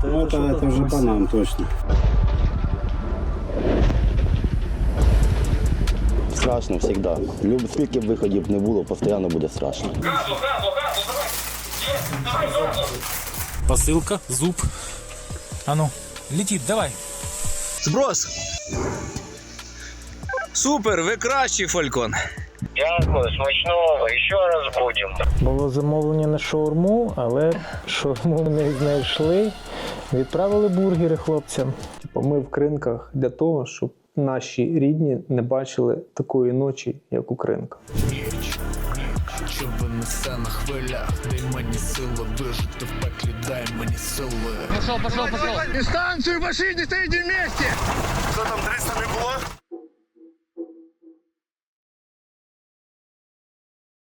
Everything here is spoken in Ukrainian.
Ну, это уже банан точно. Страшно завжди. Скільки б виходів не було, постійно буде страшно. Посылка, зуб. А ну, летит, давай. Зброс. Супер, ви кращий, Фалькон. Дякую, смачного, ще раз будемо. Було замовлення на шаурму, але шаурму не знайшли. Відправили бургери хлопцям. Ми в Кринках для того, щоб наші рідні не бачили такої ночі, як у Кринках. Що винесе на хвилях, дай мені сили вижити в пеклі, дай мені сили. Пошел. Дистанцию пошли, не стоите вместе! Що там, 300 не було?